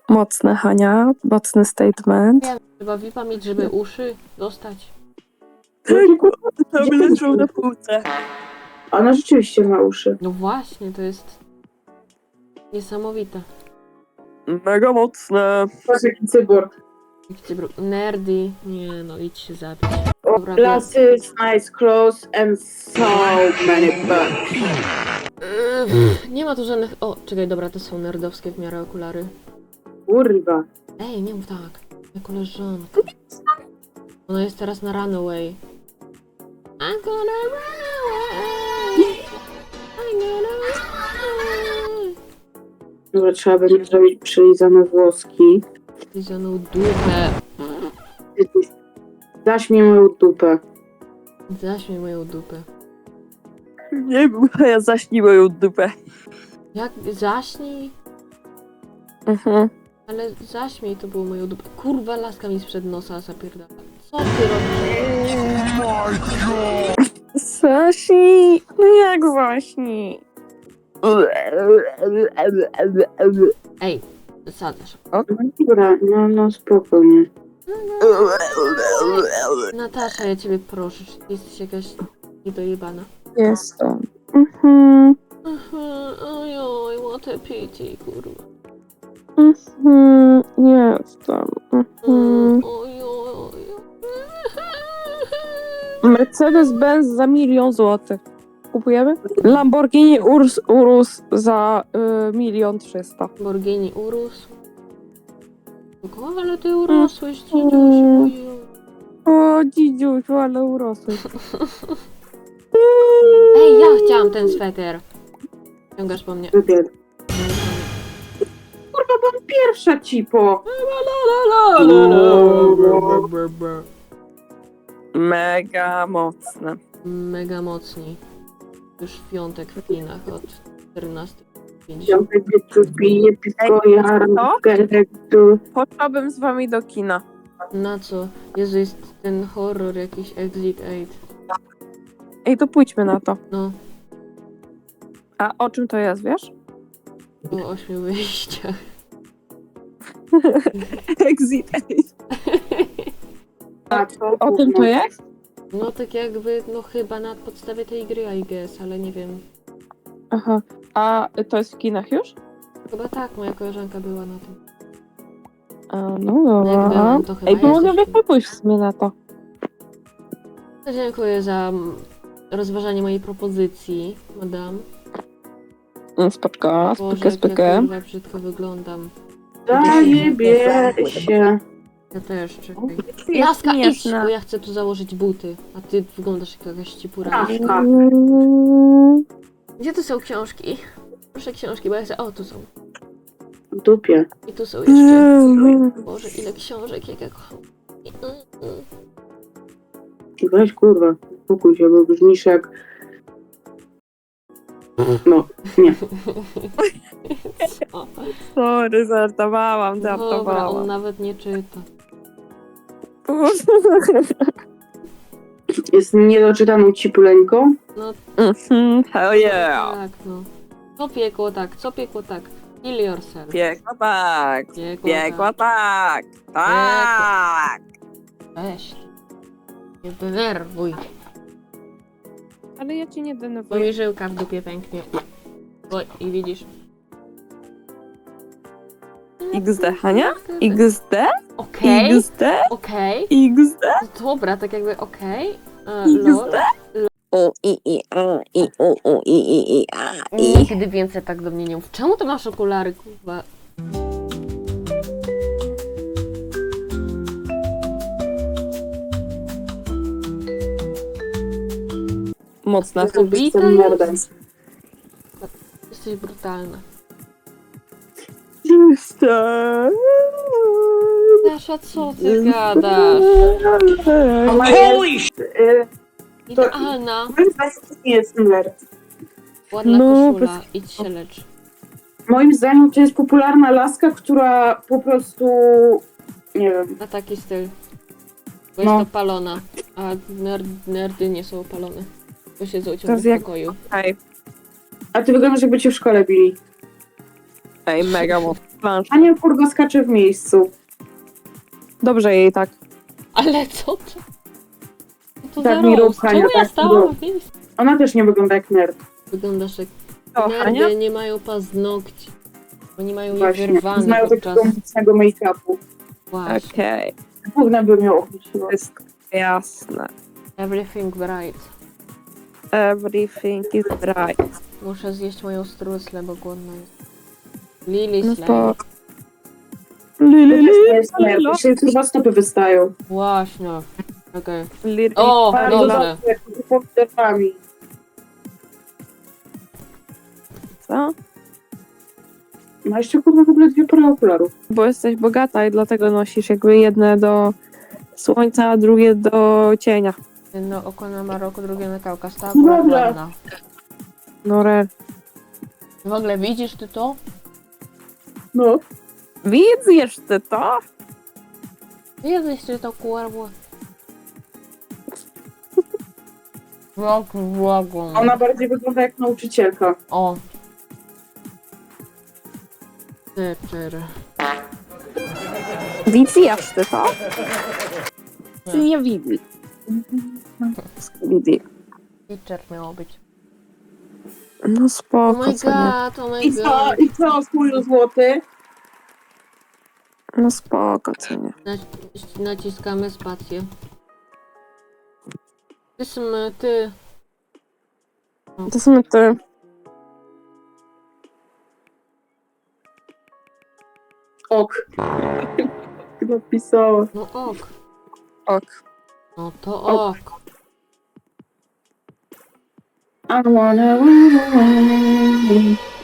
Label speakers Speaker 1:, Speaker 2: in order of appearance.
Speaker 1: Mocne, Hania. Mocny statement.
Speaker 2: Trzeba VIPa mieć, żeby uszy dostać.
Speaker 1: Tam leżą na półce.
Speaker 3: Ona rzeczywiście ma uszy.
Speaker 2: No właśnie, to jest niesamowite.
Speaker 1: Mega mocne.
Speaker 3: Patrz jaki cyborg.
Speaker 2: Nerdy. Nie no, idź się zabić. Dobra,
Speaker 3: Glasses, nice clothes and so many bugs.
Speaker 2: nie ma tu żadnych... O, czekaj, dobra, to są nerdowskie w miarę okulary.
Speaker 3: Kurwa.
Speaker 2: Ej, nie mów tak. Moja koleżanka. Ona jest teraz na Runaway. I'm gonna run away. I'm gonna run away.
Speaker 3: Dobra, trzeba będzie zrobić przylizane włoski.
Speaker 2: Lizaną dupę.
Speaker 3: Zaś mi moją dupę.
Speaker 2: Zaśmiej moją dupę.
Speaker 1: Nie wiem, ja zaśnij moją dupę.
Speaker 2: Jak zaśnij? Ale zaśmiej to było moją dupę. Kurwa, laska mi sprzed nosa zapierdala. Co ty robisz?
Speaker 1: Zaśnij. No jak zaśnij?
Speaker 2: Ej, sadzasz.
Speaker 3: Dobra, no spokojnie.
Speaker 2: Natasza, ja ciebie proszę, czy ty jesteś jakaś niedojebana?
Speaker 1: Jestem.
Speaker 2: Ojoj, what a pity, kurwa.
Speaker 1: Jestem.
Speaker 2: Ojoj.
Speaker 1: Mercedes-Benz za 1 000 000 złotych. Kupujemy? Lamborghini Urus za 1 300 000.
Speaker 2: Borgini urósł. O, ale ty urosłeś, dzidziuś.
Speaker 1: O, dzidziuś, ale urosłeś.
Speaker 2: Ej, ja chciałam ten sweter. Ciągasz po mnie.
Speaker 3: Wybier. Kurwa, byłam pierwsza, cipo.
Speaker 1: Mega mocne.
Speaker 2: Mega mocni. Już w piątek w kinach od 14:50.
Speaker 3: Piątek wieczór pije pisko, jaram, tu.
Speaker 1: Poszłabym z wami do kina.
Speaker 2: Na co? Jezu, jest ten horror jakiś Exit 8.
Speaker 1: Ej, to pójdźmy na to.
Speaker 2: No,
Speaker 1: A o czym to jest, wiesz?
Speaker 2: o 8 wyjściach.
Speaker 1: Exit. O tym to jest?
Speaker 2: No tak jakby, no chyba na podstawie tej gry, I guess, ale nie wiem.
Speaker 1: Aha. A to jest w kinach już?
Speaker 2: Chyba tak, moja koleżanka była na tym.
Speaker 1: A, no
Speaker 2: Jak
Speaker 1: dobra.
Speaker 2: byłam, to chyba
Speaker 1: Ej, to
Speaker 2: jest
Speaker 1: mogę
Speaker 2: jeszcze.
Speaker 1: pójść w sumie na to.
Speaker 2: Dziękuję za rozważanie mojej propozycji, madam.
Speaker 1: Spoczko,
Speaker 2: Boże,
Speaker 1: spykę,
Speaker 2: jak ja
Speaker 1: spykę.
Speaker 2: kurwa brzydko wyglądam.
Speaker 3: Zajebie się.
Speaker 2: Ja też, czekaj.
Speaker 1: Jest
Speaker 2: Laska, idź,
Speaker 1: śmieszna.
Speaker 2: bo ja chcę tu założyć buty. A ty wyglądasz jak jakaś cipura.
Speaker 3: Laska.
Speaker 2: Gdzie tu są książki? Proszę książki, bo ja chcę... O, tu są.
Speaker 3: W dupie.
Speaker 2: I tu są jeszcze. Boże, ile książek, jak ja kocham.
Speaker 3: Weź kurwa, spokój się, bo brzmisz jak... No, nie.
Speaker 2: O,
Speaker 1: Sorry, żartowałam,
Speaker 2: dobra, on
Speaker 1: żartowałam.
Speaker 2: nawet nie czyta.
Speaker 3: Jest niedoczytaną cipuleńką.
Speaker 2: No
Speaker 1: Hell yeah.
Speaker 2: tak, no. Co piekło tak, co piekło tak. Kill yourself.
Speaker 1: Piekła tak. Piekła tak. Tak.
Speaker 2: Weź. Nie denerwuj.
Speaker 1: Ale ja cię nie
Speaker 2: Bo
Speaker 1: denerwuję.
Speaker 2: mi żyłka w dupie pęknie. Oj, i widzisz.
Speaker 1: XD, Hania? XD?
Speaker 2: Okej,
Speaker 1: XD?
Speaker 2: okej.
Speaker 1: XD?
Speaker 2: Dobra, tak jakby okej.
Speaker 1: XD? O, a, i.
Speaker 2: Nigdy więcej tak do mnie nie mów. Czemu ty masz okulary, kurwa?
Speaker 1: Mocna.
Speaker 2: Ubita
Speaker 3: Jestem nerdem.
Speaker 2: jest? Jesteś brutalna.
Speaker 1: Jestem.
Speaker 2: Dasza, co ty gadasz?
Speaker 3: Holy shit!
Speaker 2: Idealna.
Speaker 3: Moim zdaniem to nie jest nerd.
Speaker 2: Ładna
Speaker 1: No,
Speaker 2: koszula. Idź się lecz.
Speaker 3: Moim zdaniem to jest popularna laska, która po prostu... Nie wiem.
Speaker 2: Na taki styl. Bo
Speaker 3: No.
Speaker 2: jest opalona. A nerdy nie są opalone. Bo siedzą
Speaker 1: To
Speaker 2: ciągle
Speaker 1: jest
Speaker 2: w
Speaker 1: jak-
Speaker 2: pokoju.
Speaker 1: Ej,
Speaker 3: A ty wyglądasz jakby cię w szkole bili.
Speaker 1: ej, mega mocno. plansz.
Speaker 3: Ania kurwa skacze w miejscu.
Speaker 1: Dobrze jej tak.
Speaker 2: Ale co to? Co to
Speaker 3: Tak
Speaker 2: za
Speaker 3: mi rób,
Speaker 2: roast?
Speaker 3: Hania,
Speaker 2: Czemu ja
Speaker 3: tak mi
Speaker 2: stałam
Speaker 3: rób.
Speaker 2: w miejscu?
Speaker 3: Ona też nie wygląda jak nerd.
Speaker 2: Wyglądasz jak
Speaker 1: O, Hania?
Speaker 2: nerdy, nie mają paznokci. Oni mają je
Speaker 3: Właśnie.
Speaker 2: wyrwane
Speaker 3: Znają
Speaker 2: podczas...
Speaker 3: takiego mocnego make-upu.
Speaker 2: Właśnie.
Speaker 1: Okej,
Speaker 3: Gówna by miał opuściło.
Speaker 1: wszystko jasne.
Speaker 2: Everything bright.
Speaker 1: Everything is right.
Speaker 2: Muszę zjeść moją struslę, bo głodna jest. Lily
Speaker 1: No
Speaker 2: Slay.
Speaker 1: to...
Speaker 3: To
Speaker 1: Lili,
Speaker 3: też nie jest nerd. Dzisiaj kurwa stopy wystają.
Speaker 2: Właśnie. Okej.
Speaker 1: Lili,
Speaker 2: O,
Speaker 3: Bardzo
Speaker 2: dobrze.
Speaker 3: dobrze, jak z pomidorami.
Speaker 1: co?
Speaker 3: Ma jeszcze kurwa w ogóle 2 pary okularów.
Speaker 1: Bo jesteś bogata i dlatego nosisz jakby jedne do słońca, a drugie do cienia.
Speaker 2: Jedno oko na Maroko, drugie na Kaukaz. Ta
Speaker 3: No
Speaker 2: akurat
Speaker 3: dobra.
Speaker 2: ładna.
Speaker 1: No rel.
Speaker 2: W ogóle widzisz ty to?
Speaker 3: No.
Speaker 1: Widzisz ty to?
Speaker 2: Widzisz ty to kurwa? Błagam.
Speaker 3: Ona bardziej wygląda jak nauczycielka.
Speaker 2: O. Teacher.
Speaker 1: Widzisz ty to? Ty nie widzi. Widzi.
Speaker 2: Teacher miało być.
Speaker 1: No
Speaker 2: Oh
Speaker 1: spoko,
Speaker 2: my
Speaker 1: co nie?
Speaker 2: god, oh my
Speaker 3: I co?
Speaker 2: god.
Speaker 3: I co? Kulu złoty?
Speaker 1: No spoko, co nie?
Speaker 2: Naciskamy spację. Ty.
Speaker 1: To są te...
Speaker 3: Ok. Napisała.
Speaker 2: No ok.
Speaker 1: Ok.
Speaker 2: No to ok.
Speaker 3: I wanna run away.